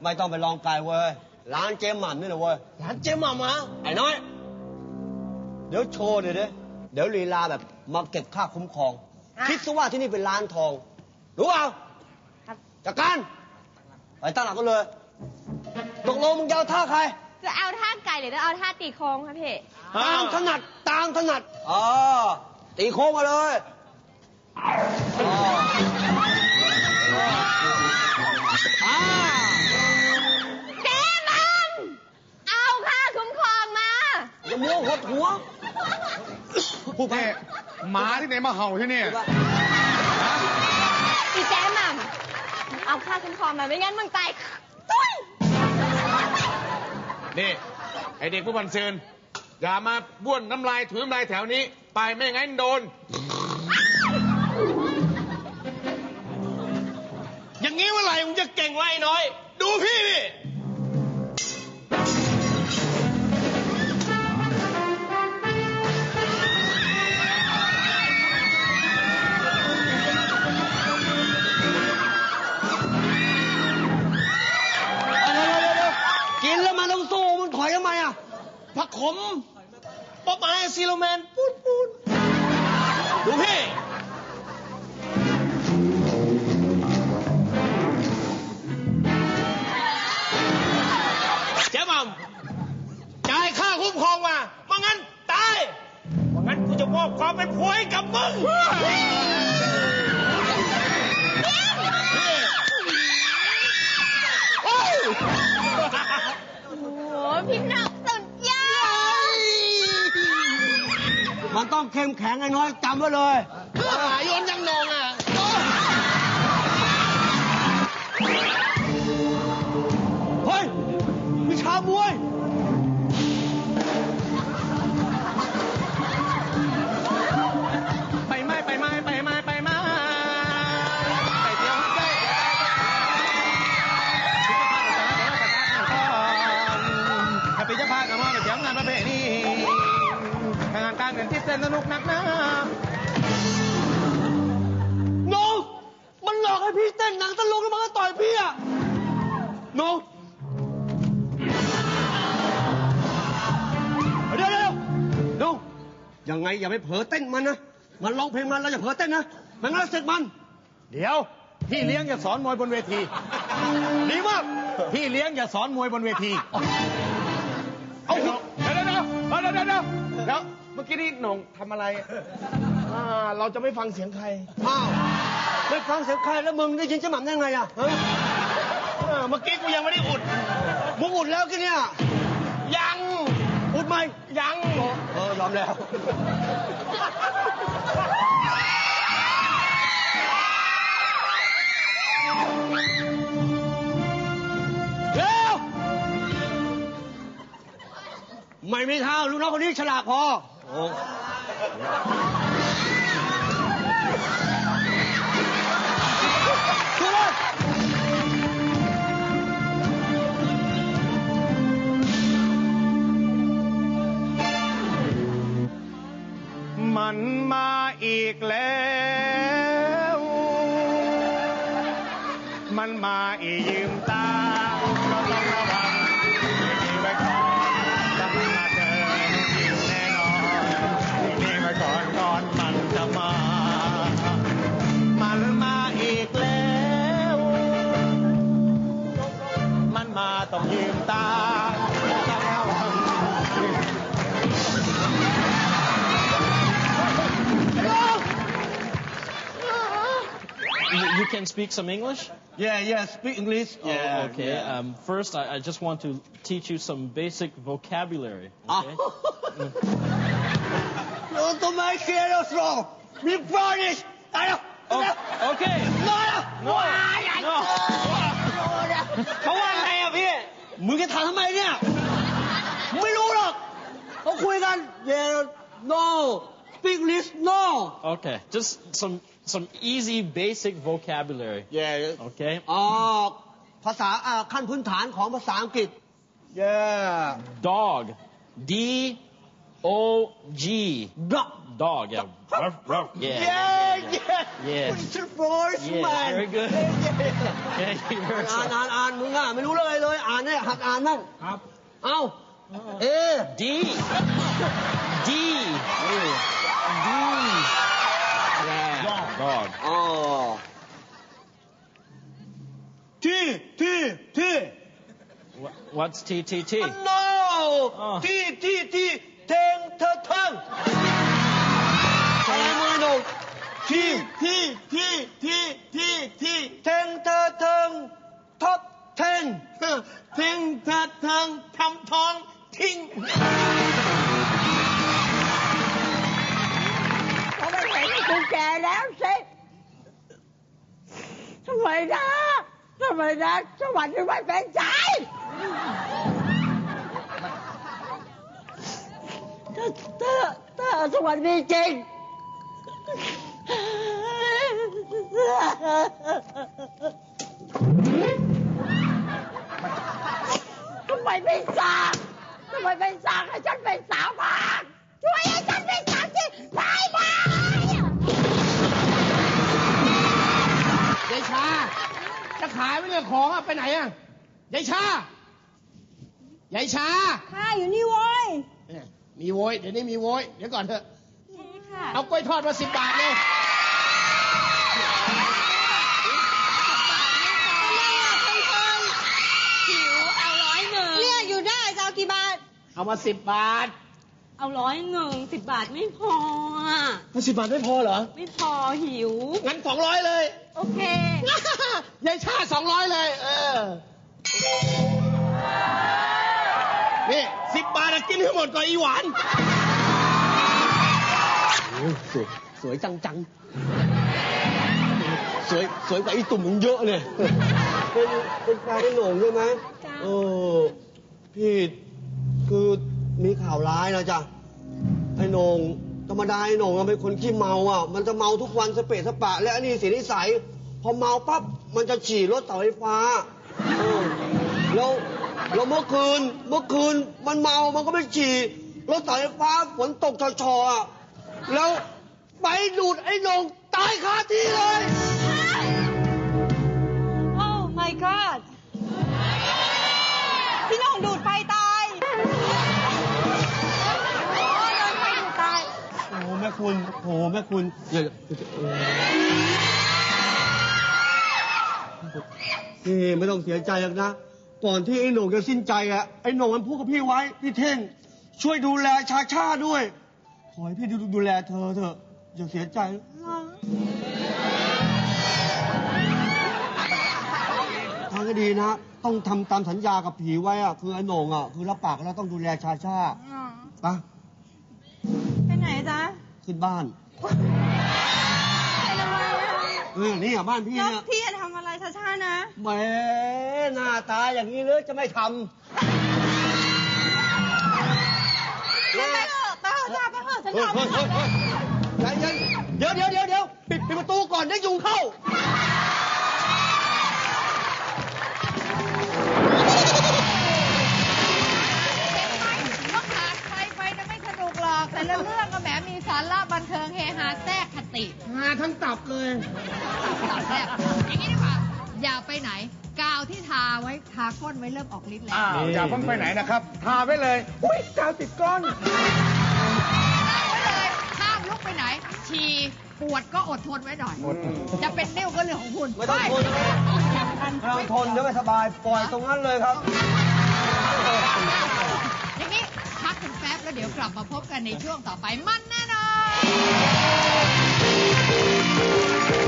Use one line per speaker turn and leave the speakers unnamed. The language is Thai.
ไม่ต้องไปลองไก่เว้ยร้านเจ๊หม่ำนี่เลยเว้ยร้านเจ๊หม่ำมาไอ้น้อยเดี๋ยวโชว์เดี๋ยวลีลาแบบมาเก็บค่าคุ้มครองคิดซะว่าที่นี่เป็นร้านทองรู้เปล่าจัดการไปตั้งหลักกันเลยตกลงมึงจะเอาท่าใคร
จะเอาท่าไก่หรือจะเอาท่าตีโค้งครับพี่
ตามถนัดตีโค้งมาเลย
เจ๊มัมเอาค่าคุ้มครองมา
อย่ามัวหดหัว
ผู้แพ้หมาที่ไหนมาเห่าที่นี่
อีเจ๊มัมเอาค่าคุ้มครองมาไม่งั้นมึงตายตุ้ย
นี่ไอเด็กผู้บันเซินอย่ามาบ้วนน้ำลายถุยน้ำลายแถวนี้ไปไม่งั้นโดน
อย่างนี้เมื่อไหร่มึงจะเก่งไว้น้อยดูพี่ดิ
กินแล้วมันต้องสู้มันถอยทำไมอ่ะ
ผักขมป๊อปไอซีโรแมนปูดดูพี่เจ๊หม่ำจ่ายค่าคุ้มครองมาไม่งั้นตายไม่งั้นกูจะมอบความเป็นผัวให้กับมึง
โอ้พี่หนักสุดยอด
มันต้องเข้มแข็งไอ้น้อยจำไว้เลย
โยนยังนองอ่ะ
เฮ้ยวิชามวย
ไปเที่ยวได้ปีเจ้าพากับมาไปเที่ยวงานประเพณีงานการเงินที่เส้นสนุกนักนะ
น้องมันหลอกให้พี่เต้นหนังตลกแล้วมันก็ต่อยพี่อ่ะน้องเดี๋ยวน้องยังไงอย่าไปเผลอเต้นมันนะมันร้องเพลงมันเราอย่าเผลอเต้นนะมันงั้นเราเสร็จมัน
เดี๋ยวพี่เลี้ยงอย่าสอนมวยบนเวที
ดีมาก
พี่เลี้ยงอย่าสอนมวยบนเวทีเอาเดี๋ยวเมื่อกี้นี่หน่งทำอะไร
เราจะไม่ฟังเสียงใคร
อ้าวไม่ฟังเสียงใครแล้วมึงได้ยินเจ๊หม่ำได้ไงอ่ะ
เมื่อกี้กูยังไม่ได้อุด
มึงอุดแล้วกันเนี่ย
ยัง
อุดไหม
ยัง
ยอมแล้วไม่มีทางลูกน้องคนนี้ฉลาดพอ
มันมาอีกแล้วมันมาอียืมตาก็ต้องระวังดีไว้ก่อนจะมาเจออยู่แน่นอนดีไว้ก่อนมันจะมามันมาอีกแล้วมันมาต้องยืมตาต้องระวัง
You can speak some English?
Yeah, speak English.
Yeah. Okay. Yeah. First, I just want to teach you some basic vocabulary. Okay.
No, to make serious wrong. Me promise.
Okay.
No.
เขาว่าไงอ่ะพี่
มึงจะถามทำไมเนี่ยไม่รู้หรอกเขาคุยกัน Yeah, no. Speak English, no.
Okay. Just some easy basic vocabulary.
Yeah.
Okay.
ภาษาขั้นพื้นฐานของภาษาอังกฤษ Yeah.
Dog. D-O-G.
Dog.
Dog. Yeah. Yeah. Yes.
Position first
Yes,
man
very good. Yeah, you heard
อ่านมึงอ่ะไม่รู้เลยเลยอ่านเนี่ยหัดอ่านมั่ง
ครับ
เอ้าเอ
D. D. D. Yeah.
Dog.
อ๋อที่
What's T T T?
no
อ๋อ
ที่เทงเธอเทิงอะไรมึงไอ้หนุ่มที่เทงเธอเทิงท็อป10
เพ่งเธอเทิงทำทองทิ้ง
เขาไม่เห็นกูแก่แล้วสิทำไมนะสวัสดีไม่เป็นใจถ้าสวัสดีจริงทำไมไม่สั่งให้ฉันเป็นสาวบ้างช่วยให้ฉันเป็นสาวที่ได้ไหม
ยายชา จะขายไหมเนี่ยของอะไปไหนอะยายชา
ข้าอยู่นี่โว้ย
เนี่ยมีโวยเดี๋ยวนี้มีโวยเดี๋ยวก่อนเถอะ
นี่ค่ะ
เอากล้วยทอดมา10 บาทเลย
หิวเอา100เรียกอยู่ได้จะเอากี่บาท
เอามา10 บาท
เอา100 10 บาทไม่พออ่ะ
10 บาทไม่พอเหรอ
ไม่พอหิว
งั้น200เลย
โอเค
ยายชา200เลย นี่10 บาทอะกินให้หมดก่อนอีหวาน
โอ้ยสวยจังสวยกว่าไอ้ตุ่มมึงเยอะเลยเป็นแฟนไอ้โหน่งใช่ไหม
จ้ะ
พี่คือมีข่าวร้ายนะจ๊ะไอ้โหน่งธรรมดาไอ้โหน่งมันเป็นคนขี้เมาอ่ะมันจะเมาทุกวันสเปะสปะและอันนี้เสียนิสัยพอเมาปั๊บมันจะฉี่รถเสาไฟฟ้าแล้วเมื่อคืนมันเมามันก็ไปฉี่รถเสาไฟฟ้าฝนตกชอๆอ่ะแล้วไปดูดไอ้โหน่งตายคาที่เลย
โอ้ my god พี่น้องดูดไฟตายโอ้โดนไฟดูดตาย
โอ้แม่คุณอย่านี่ไม่ต้องเสียใจหรอกนะ ก่อนที่ไอ้โหน่งจะสิ้นใจอะไอ้โหน่งมันพูดกับพี่ไว้พี่เท่งช่วยดูแลชาด้วย ขอให้พี่ดูแลเธอเถอะอย่าเสียใจทางก็ดีนะ ต้องทำตามสัญญากับผีไว้อะคือไอ้โหน่งอะคือรับปากแล้วต้องดูแลชาไป
ไปไหนจ๊ะ
ขึ้นบ้าน
ไปทำไมอ่ะ
นี่อะบ้านพี่
แล้ว
เนี่ย
พี่จะทำอะไรช้าๆนะ
แหมหน้าตาอย่างนี้เลยจะไม่ทำ
ไปเถอะจ้าไปเถอะฉันทำ
ใจเย็นเดี๋ยวปิดประตูก่อนได้ยุงเข้า
ก็ขาดไปจะไม่สนุกหรอก แต่ละเรื่องก็แหมมีสาระบันเทิงเฮฮาแทรกคติ
หาทั้งตับเลย
ตับแทรกอย่างนี้ดีกว่า อย่าไปไหน กาวที่ทาไว้ทาก้นไว้เริ่มออกฤทธิ์แล้ว
อย่าเพิ่งไปไหนนะครับ ทาไว้เลย อุ้ยกาวติดก้อน
ทาไว้เลยห้ามลุกไปไหน ฉี่ปวดก็อดทนไว้หน่อย จะเป็นนิ้วก็เรื่องของคุณ
ไม่ต้องทนไม่ต้องทนเดี๋ยวไม่สบาย ปล่อยตรงนั้นเลยครับ
อย่างนี้พักกันแป๊บแล้วเดี๋ยวกลับมาพบกันในช่วงต่อไปมันแน่นอน